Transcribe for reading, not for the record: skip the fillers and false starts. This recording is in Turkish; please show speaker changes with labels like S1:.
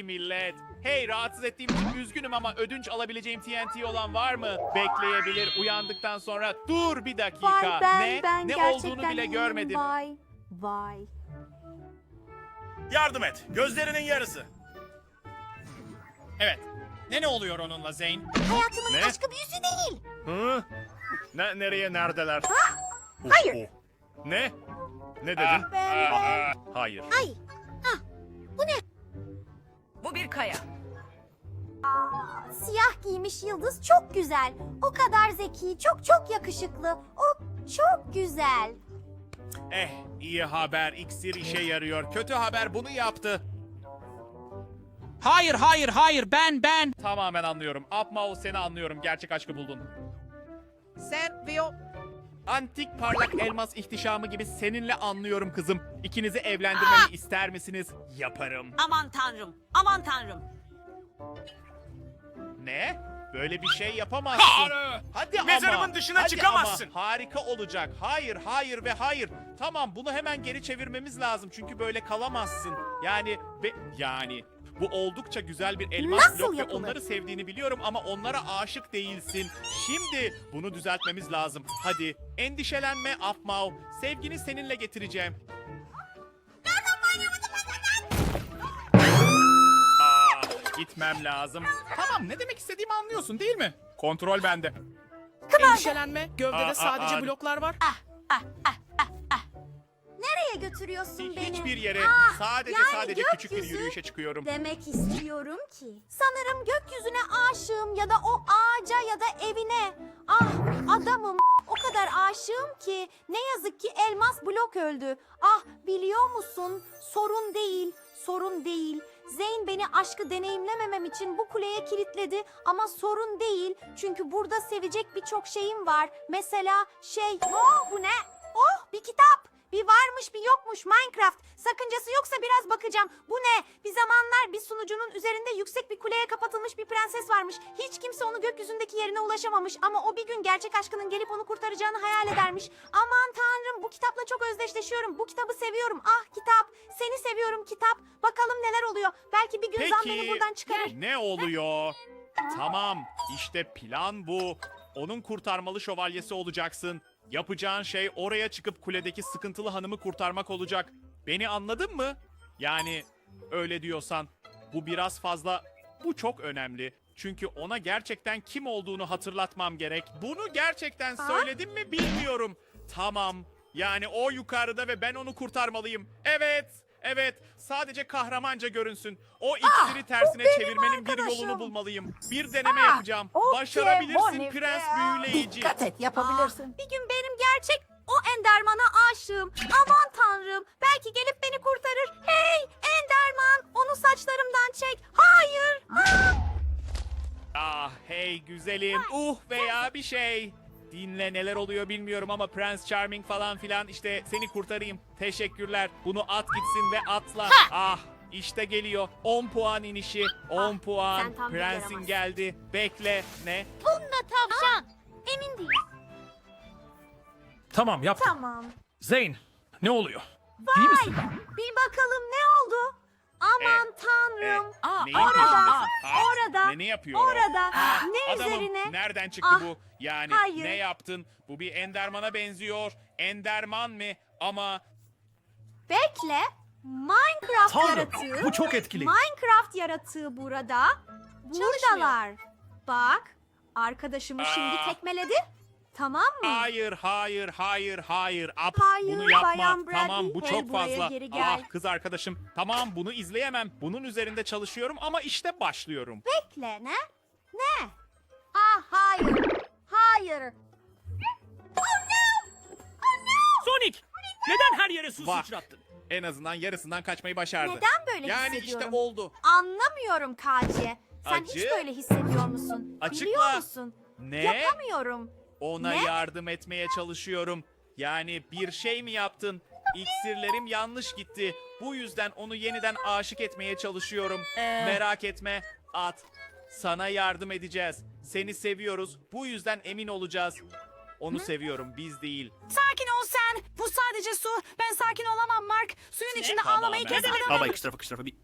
S1: millet. Hey, rahatsız ettiğim için üzgünüm ama ödünç alabileceğim TNT olan var mı? Bekleyebilir, uyandıktan sonra. Dur bir dakika.
S2: Vay
S1: Ne
S2: gerçekten
S1: olduğunu bile
S2: iyiyim.
S1: görmedim.
S2: Vay.
S3: Yardım et. Gözlerinin yarısı.
S4: Evet. Ne oluyor onunla Zeyn?
S2: Hayatımın
S3: Ne?
S2: aşkı büyüsü değil.
S3: Hı? Nereye neredeler?
S2: Hayır.
S3: Ne? Ne dedin?
S2: Ben.
S3: Hayır.
S2: Ay.
S5: Bu bir kaya.
S2: Siyah giymiş yıldız çok güzel. O kadar zeki, çok yakışıklı. O çok güzel.
S1: İyi haber, iksir işe yarıyor. Kötü haber bunu yaptı.
S4: Hayır, ben.
S1: Tamamen anlıyorum. Apmao, seni anlıyorum. Gerçek aşkı buldun.
S4: Sen ve o...
S1: Antik parlak elmas ihtişamı gibi seninle anlıyorum kızım. İkinizi evlendirmemi ister misiniz? Yaparım.
S5: Aman tanrım, aman tanrım.
S1: Ne? Böyle bir şey yapamazsın. Hadi ama.
S3: Mezarımın dışına
S1: Hadi
S3: çıkamazsın.
S1: Ama. Harika olacak. Hayır ve hayır. Tamam, bunu hemen geri çevirmemiz lazım. Çünkü böyle kalamazsın. Yani bu oldukça güzel bir elmas
S2: Nasıl
S1: blok ve
S2: yapılır?
S1: onları sevdiğini biliyorum ama onlara aşık değilsin. Şimdi bunu düzeltmemiz lazım. Hadi endişelenme Apmao. Sevgini seninle getireceğim. Gitmem lazım. Tamam, ne demek istediğimi anlıyorsun değil mi? Kontrol bende.
S4: Endişelenme. Gövdede sadece
S1: aa.
S4: bloklar var.
S2: Nereye götürüyorsun beni?
S1: Hiçbir yere. Sadece
S2: yani
S1: küçük bir
S2: gökyüzü
S1: yürüyüşe çıkıyorum.
S2: Demek istiyorum ki. Sanırım gökyüzüne aşığım ya da o ağaca ya da evine. Ah adamım o kadar aşığım ki ne yazık ki elmas blok öldü. Ah biliyor musun? Sorun değil. Zeyn beni aşkı deneyimlememem için bu kuleye kilitledi ama sorun değil. Çünkü burada sevecek birçok şeyim var. Mesela bu ne? Oh bir kitap. Bir varmış bir yokmuş Minecraft. Sakıncası yoksa biraz bakacağım. Bu ne? Bir zamanlar bir sunucunun üzerinde yüksek bir kuleye kapatılmış bir prenses varmış. Hiç kimse onu gökyüzündeki yerine ulaşamamış. Ama o bir gün gerçek aşkının gelip onu kurtaracağını hayal edermiş. Aman tanrım bu kitapla çok özdeşleşiyorum. Bu kitabı seviyorum. Ah kitap. Seni seviyorum kitap. Bakalım neler oluyor. Belki bir gün Zan beni buradan çıkarır.
S1: Ne oluyor? Tamam, işte plan bu. Onun kurtarmalı şövalyesi olacaksın. Yapacağın şey oraya çıkıp kuledeki sıkıntılı hanımı kurtarmak olacak. Beni anladın mı? Yani öyle diyorsan bu biraz fazla, bu çok önemli. Çünkü ona gerçekten kim olduğunu hatırlatmam gerek. Bunu gerçekten söyledim mi bilmiyorum. Tamam, yani o yukarıda ve ben onu kurtarmalıyım. Evet, sadece kahramanca görünsün. O iksiri tersine çevirmenin bir
S2: arkadaşım.
S1: yolunu bulmalıyım. Bir deneme yapacağım. Başarabilirsin prens büyüleyici.
S6: Dikkat et, yapabilirsin.
S2: Bir gün benim gerçek o Enderman'a aşığım. Aman tanrım. Belki gelip beni kurtarır. Hey Enderman onu saçlarımdan çek. Hayır.
S1: Ah hey güzelim. Veya bir şey. Dinle, neler oluyor bilmiyorum ama Prince Charming falan filan, işte seni kurtarayım. Teşekkürler. Bunu at gitsin ve atla. Ah işte geliyor. 10 puan inişi. 10 puan.
S2: sen tam bir
S1: Prensin
S2: yaramazsın.
S1: geldi. Bekle. Ne?
S2: Bununla tavşan. Emin değilim.
S3: Tamam yaptım.
S2: Tamam.
S3: Zeyn, ne oluyor?
S2: Vay. Bir bakalım ne oldu? Aman tanrım.
S1: Neyin
S2: orada,
S1: peşindesin?
S2: orada,
S1: Ne yapıyor o?
S2: orada. Ne
S1: Adamım,
S2: üzerine?
S1: nereden çıktı
S2: Ah,
S1: bu? Yani
S2: hayır.
S1: ne yaptın? Bu bir Enderman'a benziyor. Enderman mı? Ama
S2: Bekle. Minecraft
S3: Tanrım,
S2: yaratığı.
S3: bu çok etkili.
S2: Minecraft yaratığı burada. Buradalar. Bak. Arkadaşımı şimdi tekmeledi. Tamam mı?
S1: hayır. Ap,
S2: Hayır,
S1: bunu yapma.
S2: Bayan Bradley.
S1: Tamam, bu
S2: Hey,
S1: çok
S2: buraya
S1: fazla.
S2: geri gel.
S1: Ah kız arkadaşım. Tamam, bunu izleyemem. Bunun üzerinde çalışıyorum ama işte başlıyorum.
S2: Bekle ne? Ne? Ah hayır. Hayır.
S3: Sonic, neden her yere su
S1: Bak.
S3: sıçrattın?
S1: En azından yarısından kaçmayı başardı.
S2: Neden böyle
S1: yani
S2: hissediyorum?
S1: işte oldu.
S2: Anlamıyorum Kaci. Sen
S1: Acı?
S2: hiç böyle hissediyor musun?
S1: Açıkla.
S2: Biliyor musun?
S1: Ne?
S2: Yapamıyorum.
S1: Ona
S2: Ne?
S1: yardım etmeye çalışıyorum. Yani bir şey mi yaptın? İksirlerim yanlış gitti. Bu yüzden onu yeniden aşık etmeye çalışıyorum. Merak etme. At. Sana yardım edeceğiz. Seni seviyoruz. Bu yüzden emin olacağız. Onu seviyorum, biz değil.
S5: Sakin ol sen. Bu sadece su. Ben sakin olamam Mark. Suyun içinde
S1: Tamamen.
S5: ağlamayı kes.
S1: Ne demek?
S3: Baba iki tarafa bir